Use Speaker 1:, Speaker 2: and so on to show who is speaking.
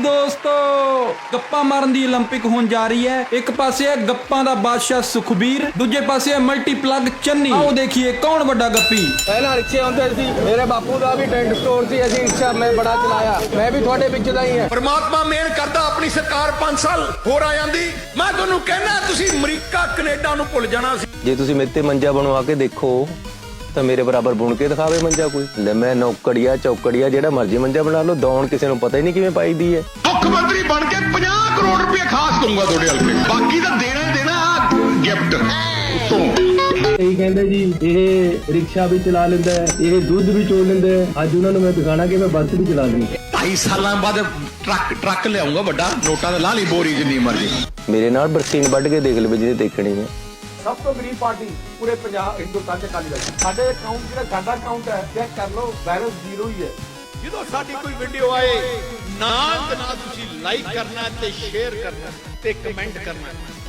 Speaker 1: ਦੋਸਤੋ, ਗੱਪਾਂ ਮਾਰਨ ਦੀ 올림픽 ਹੋਣ ਜਾ ਰਹੀ ਹੈ। ਇੱਕ ਪਾਸੇ ਹੈ ਗੱਪਾਂ ਦਾ ਬਾਦਸ਼ਾਹ ਸੁਖਬੀਰ, ਦੂਜੇ ਪਾਸੇ ਹੈ ਮਲਟੀਪਲੱਗ ਚੰਨੀ। ਆਓ ਦੇਖੀਏ ਕੌਣ ਵੱਡਾ ਗੱਪੀ।
Speaker 2: ਪਹਿਲਾਂ ਰਿਕਸ਼ੇ ਹੁੰਦੇ ਸੀ, ਮੇਰੇ ਬਾਪੂ ਦਾ ਵੀ ਟੈਂਟ ਸਟੋਰ ਸੀ, ਅਸੀਂ ਰਿਕਸ਼ਾ ਮੈਂ ਬੜਾ ਚਲਾਇਆ, ਮੈਂ ਵੀ ਤੁਹਾਡੇ ਵਿੱਚ ਦਾ ਹੀ ਹਾਂ।
Speaker 3: ਪਰਮਾਤਮਾ ਮਿਹਰ ਕਰਦਾ ਆਪਣੀ ਸਰਕਾਰ 5 ਸਾਲ ਹੋਰ ਆ ਜਾਂਦੀ। ਮੈਂ ਤੁਹਾਨੂੰ ਕਹਿਣਾ ਤੁਸੀਂ ਅਮਰੀਕਾ ਕੈਨੇਡਾ ਨੂੰ ਭੁੱਲ ਜਾਣਾ ਸੀ।
Speaker 4: ਜੇ ਤੁਸੀਂ ਮੇਰੇ ਤੇ ਮੰਜਾ ਬਣਵਾ ਕੇ ਦੇਖੋ ਤਾਂ ਮੇਰੇ ਬਰਾਬਰ ਬੁਣ ਕੇ ਦਿਖਾਵੇ ਮੰਜਾ ਕੋਈ। ਲੈ ਮੈਂ ਨੌਕੜੀਆ ਚੌਕੜੀਆ ਜਿਹੜਾ ਮਰਜ਼ੀ ਮੰਜਾ ਬਣਾ ਲਓ, ਦੌਣ ਕਿਸੇ ਨੂੰ ਪਤਾ ਹੀ ਨਹੀਂ ਕਿਵੇਂ ਪਾਈਦੀ ਹੈ।
Speaker 3: ਮੁੱਖ ਮੰਤਰੀ ਬਣ ਕੇ 50 ਕਰੋੜ ਰੁਪਏ ਖਾਸ ਦਊਂਗਾ ਤੁਹਾਡੇ ਹਲਕੇ, ਬਾਕੀ ਤਾਂ ਦੇਣਾ ਗਿਫਟ ਤੋਂ।
Speaker 2: ਇਹ ਕਹਿੰਦੇ ਜੀ ਇਹ ਰਿਕਸ਼ਾ ਵੀ ਚਲਾ ਲੈਂਦਾ ਹੈ, ਇਹ ਦੁੱਧ ਵੀ ਚੋਲ ਲੈਂਦਾ ਹੈ। ਅੱਜ ਉਹਨਾਂ ਨੂੰ ਮੈਂ ਦਿਖਾਣਾ ਕਿ ਮੈਂ ਬੱਸ ਵੀ ਚਲਾ ਲਈ।
Speaker 3: 2.5 ਸਾਲਾਂ ਬਾਅਦ ਟਰੱਕ ਲਿਆਉਂਗਾ ਵੱਡਾ, ਨੋਟਾਂ ਦਾ ਲਾ ਲਈ ਬੋਰੀ ਜਿੰਨੀ ਮਰਜ਼ੀ।
Speaker 4: ਮੇਰੇ ਨਾਲ ਬਰਸੀਨ ਵੱਢ ਕੇ ਦੇਖ ਲਵੇ ਜਿਹਨੇ ਦੇਖਣੀ ਹੈ।
Speaker 2: ਸਭ ਤੋਂ ਗਰੀਬ ਪਾਰਟੀ ਪੂਰੇ ਪੰਜਾਬ ਹਿੰਦੁਸਤਾਨ ਚ ਅਕਾਲੀ ਦਲ। ਸਾਡੇ ਅਕਾਊਂਟ ਜਿਹੜਾ ਸਾਡਾ ਅਕਾਊਂਟ ਹੈ ਚੈੱਕ ਕਰ ਲਓ, ਬੈਲੈਂਸ ਜ਼ੀਰੋ ਹੀ ਹੈ।
Speaker 3: ਜਦੋਂ ਸਾਡੀ ਕੋਈ ਵੀਡੀਓ ਆਏ ਨਾਲ ਦੇ ਨਾਲ ਤੁਸੀਂ ਲਾਈਕ ਕਰਨਾ ਤੇ ਸ਼ੇਅਰ ਕਰਨਾ ਤੇ ਕਮੈਂਟ ਕਰਨਾ।